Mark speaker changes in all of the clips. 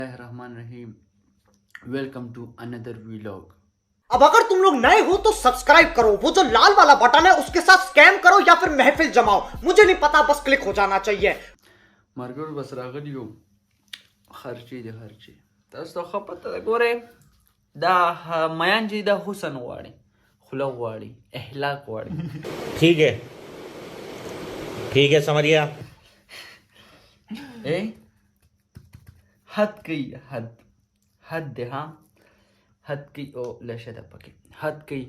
Speaker 1: Bismillahirrahmanirrahim. Welcome to another vlog.
Speaker 2: अब अगर तुम लोग नए हो तो सब्सक्राइब करो, वो जो लाल वाला बटन है उसके साथ स्कैम करो या फिर महफिल जमाओ, मुझे नहीं पता, बस क्लिक हो जाना चाहिए.
Speaker 1: مرګور بس راغلی یو خرچې دي خرچې تاسو ته ښه پته ده. ګورئ دا میان چې دا حسن غواړي، خوله غواړي، اخلاق غواړي.
Speaker 3: ठीक है समझ गया.
Speaker 1: حد کوي، حد دی ها، حد کوي او لشه ده پکې حد کوي.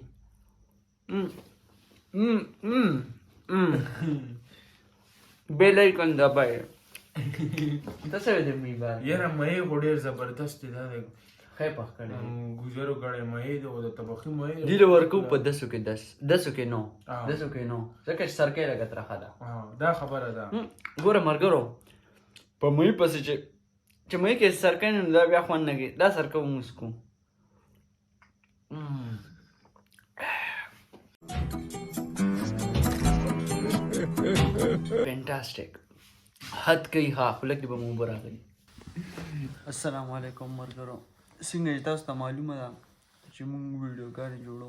Speaker 1: بیلایکن دبای تاسو دې می با
Speaker 4: یاره مې غوډیر زبردست دی دا
Speaker 1: خې پخ کړي
Speaker 4: گزارو کړي مې د طبخي مې
Speaker 1: دی ورکو په 10 کې 10 کې نو 10 کې نو ځکه سرکې لګت راخه ده.
Speaker 4: دا خبره ده.
Speaker 1: ګوره مرګرو په مې پسې چې مې کې سرکې نه دا بیا خوان نه دا سرکې موسکو فینټاسټیک حد کوي ها خلک دې به مو براغلي. السلام علیکم مرګرو، څنګه تاسو ته معلومه ده چې موږ ویډیوګانې جوړو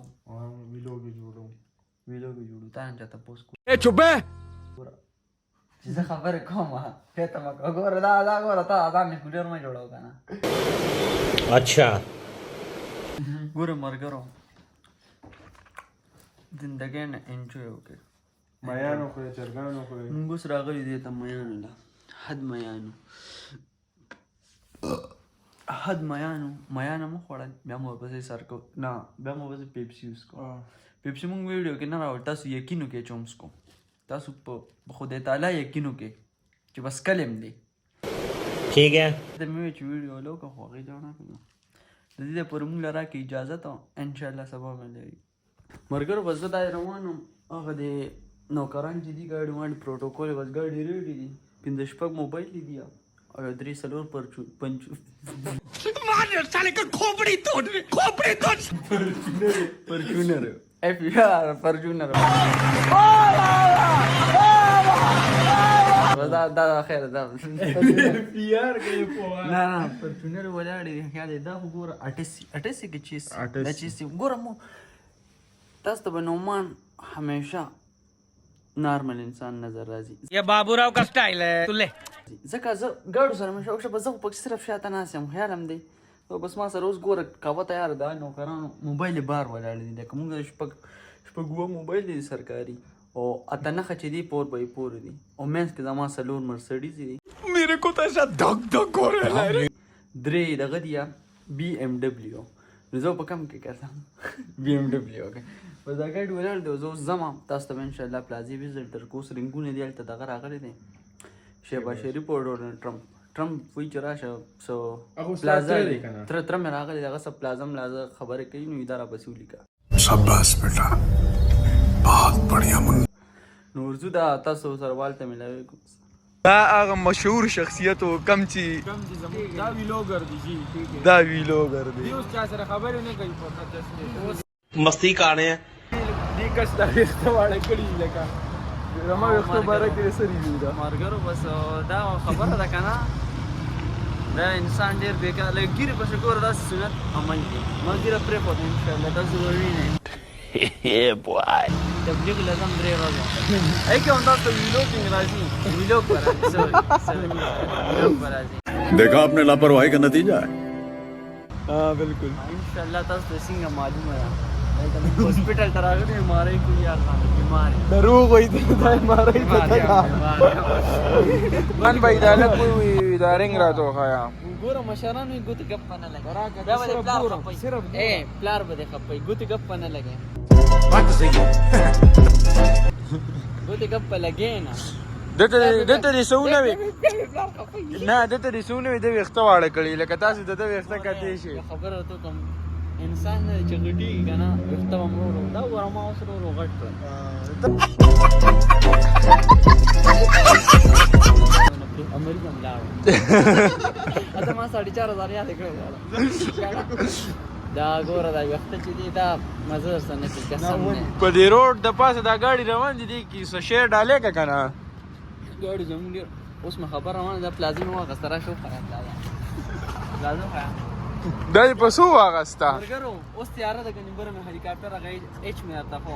Speaker 1: ویډیو تا نه چاته پوسټ کوو.
Speaker 4: چوبه
Speaker 1: چې زه خبرې کوم ته ما ګوره دا ګوره تا ځان نه ویډیو نه جوړاو کنه.
Speaker 3: अच्छा
Speaker 1: ګوره مرګرو زندګۍ نه انجوای وکړئ.
Speaker 4: میانو خو چرګانو خو
Speaker 1: موږ اوس راغلي دې ته میانو له حد میانو مو خوړل بیا مو ورپسې سر کو نه بیا مو ورپسې پیپسي وڅکو. پیپسي موږ ویډیو کې نه راوړ، تاسو یقین وکړئ چې وڅکو. تاسو په خدای تعالی یقین وکړئ چې بس کلم دی.
Speaker 3: ठीक है
Speaker 1: د مې چې ویډیو لوکه خو هغې جوړه کړو د دې لپاره موږ له راکړئ اجازه ته انشاءالله سبا به لري. مرګرو بس زه دا روان وم هغه د نوکران چې دي ګاډي واړي پروټوکول بس ګاډي ریډي دي 5-6 موبایل دي او 3-4 فورچونر اف یار فورچونر دا خیر دا
Speaker 4: پیار کوي په
Speaker 1: نه فورچونر ولاړ دي خیال دا وګوره 88 کې چیز دا چیز وګوره مو تاسو ته نومان همیشه نارمل انسان نظر راځي.
Speaker 5: ये बाबूराव का स्टाइल है तुले
Speaker 1: ځکه زه ګاډو سره مې شوق زه پکې صرف شاته ناست یم خیال هم دی بس ما سره اوس ګوره کاوه تیار ده نوکرانو موبایل بار ولاړ دي لکه موږ شپږ موبایل دي سرکاري او اته نښه چې دي پور به یې پور دي او مینس کې زما 4 مرسډیز دي
Speaker 4: میرے کو تو ایسا دھک دھک ہو رہا ہے.
Speaker 1: 3 دغه دي BMW نو زه په کم کې کړم BMW اوکې بس دا ګاډي ولاړ دی زه اوس ځم تاسو ته به انشاءالله پلازې ویزټ در کوس رنګونه دي هلته دغه راغلی دی شهباز شریف او ډونالډ ټرمپ وایي چې راشه څه پلازا دی تره مې راغلی دغه څه پلازا ملازه خبرې کوي نو دا راپسې ولیکه.
Speaker 6: शाबाश बेटा बहुत बढ़िया मुन्ना.
Speaker 1: نو ورځو دا تاسو سره والته ملاوي کوم
Speaker 4: دا هغه مشهور شخصیت او کم چې دا ویلوګر دی جی دا ویلوګر دی اوس چا سره خبرې نه کوي په خاطر
Speaker 3: मस्ती कर रहे हैं.
Speaker 4: دې کس دا واړه کړي لکه رما وختو باره کې سری وی دا
Speaker 1: مرګرو بس دا خبره ده کنه دا انسان ډیر بیکار لګیره په شکر دا سنت عمل دی ما ګیره پرې په ان شاء الله تاسو وینئ
Speaker 3: boy
Speaker 1: تبلیغ لازم درې ورځې ای کوم تاسو ویلوګ راځي ویلوګ راځي
Speaker 6: देखा आपने लापरवाही का नतीजा है.
Speaker 4: हाँ बिल्कुल
Speaker 1: ان شاء الله تاسو څنګه معلومه ده हॉस्पिटल तरागने मारे को यार बीमार
Speaker 4: दरूग होई थी दाई मारे ही था वन भाई दाला कोई दारिंग रहा तो खाया
Speaker 1: ګوره مشرانو یې ګوتې ګپ نه لګي دا به پلار خپي پلار به خپي ګوتې ګپ نه لګي ګوتې ګپ لګي نه
Speaker 4: دته دې سونه وي نه دته دې سونه وي د وخت واړه کړي لکه تاسو د وخت کته شي
Speaker 1: خبره ته کوم انسان نه چې غټي کنه وخت ممرو دا ورما اوسره غټ امریکا ملاو اته ما 4.5 یاد کړو دا ګوره دا وخت چې دی دا مزه سره نه کې قسم نه
Speaker 4: په دې روډ د پاسه دا ګاډي روان دي کی څه شیر ډالې کا کنه
Speaker 1: ګاډي زموږ اوس ما خبر روان دا پلازم واغ سره شو خراب دا لازم خیا
Speaker 4: دا په سو واغستا
Speaker 1: برګرو اوس تیار ده کني بره مې هلیکاپټر راغی اچ مې آتا خو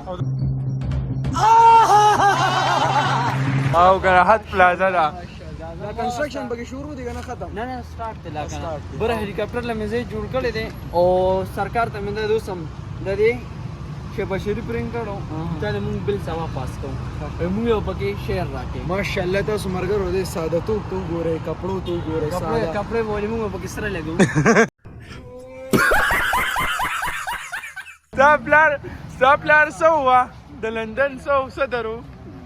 Speaker 4: او راحت پلازا دا
Speaker 1: دا کنسترکشن بګي شروع دي کنه ختم نه نه سٹارټ ته لا کنه بره هلیکاپټر لمه زه جوړ کړی دي او سرکار ته مې د دوسم د دې چې بشری پرنګ کړو ته موږ بل سما پاس کوو موږ یو پکې شیر راکې
Speaker 4: ماشاءالله تاسو مرګرو دې ساده تو ګوره کپړو تو ګوره ساده
Speaker 1: کپڑے بولې موږ پکې سره لګو
Speaker 4: ستا پلار سو وا د لندن سو صدرو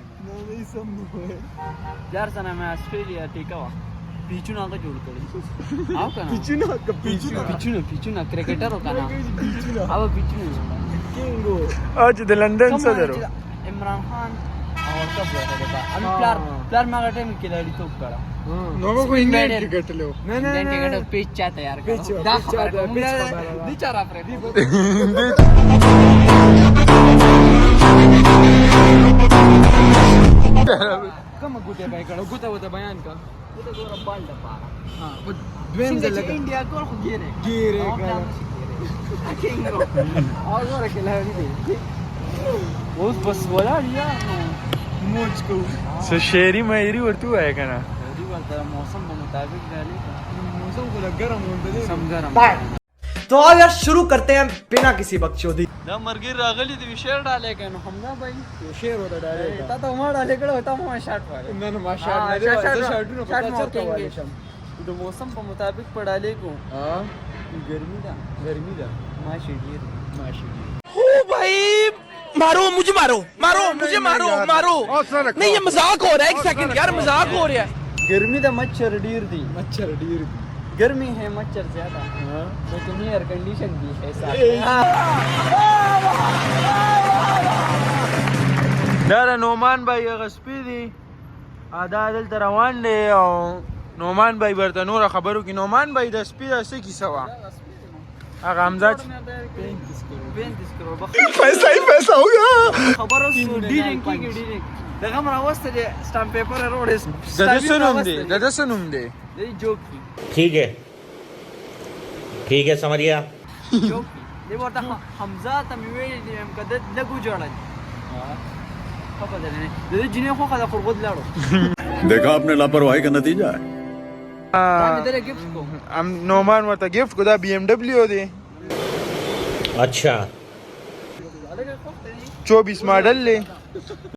Speaker 1: یار سره مې استرالیا ټیکا وا پیچونه هغه جوړ کړی او کنه پیچونه کرکټر وکنه او پیچونه کینګو
Speaker 4: او چې د لندن صدرو
Speaker 1: عمران خان او کب راغلی با ان پلار ما غټه مې کلاړی توپ کړه
Speaker 4: نو کو انګلند کې ګټلو
Speaker 1: انګلند کې غټه پیچ چا تیار کړو دا خبره دي چارا پر کوم ګوته به کړه ګوته وته بیان کا ګوته ګور بال دپا ها دویم ځل لګا انډیا ګور خو ګیره کینګو او ګور کلاړی دی اوس بس ولاړ یا موج کو
Speaker 4: سو شعری مایری ورته وای کنه
Speaker 1: دی ورته موسم په مطابق غالي موسم کو ګرم وندې سم ګرم
Speaker 2: तो आओ यार शुरू करते हैं बिना किसी बकचोदी
Speaker 1: دا مرګي راغلی دی شیر ډالې کنه همدا بھائی
Speaker 4: شعر وته ډایره
Speaker 1: تا ته ما ډالې کړه تا ما شاټ وای
Speaker 4: نه نه ماشاءالله دې شاټونو په تاسو چرته وای شم
Speaker 1: د موسم په مطابق پړالې کو
Speaker 4: ها
Speaker 1: ګرمي دا ماشي ډیر
Speaker 5: मारो मुझे मारो नहीं ये मजाक हो रहा है एक सेकंड यार मजाक हो रहा है
Speaker 1: ګرمي دا مچھر ډیر دی
Speaker 4: مچھر ډیر
Speaker 1: गर्मी है मच्छर ज्यादा लेकिन एयर कंडीशन भी है साथ
Speaker 4: دا نومان بای غسپی دی ادا دلته روان دی او نومان بای ورته نور خبرو کې نومان بای د سپی د څه کیسه وا هغه حمزه 35
Speaker 1: करोड़
Speaker 4: पैसा ही पैसा हो गया
Speaker 1: खबर اوس ډیرینګ دغه راوسته دي سٹامپ پیپر روډ
Speaker 4: د سنوم دی
Speaker 1: دی جوکی
Speaker 3: ठीक है समझ गया
Speaker 1: جوکی دی ورته حمزه ته مې ویل دي هم کده لګو جوړل په بدل نه د جنې خو خدا خرغود لاړو
Speaker 6: देखा आपने लापरवाही का नतीजा है
Speaker 1: باندې درې گیفت کو
Speaker 4: نومان ورته گیفت کو دا بی ام ډبلیو دی
Speaker 3: अच्छा
Speaker 4: 24 ماډل له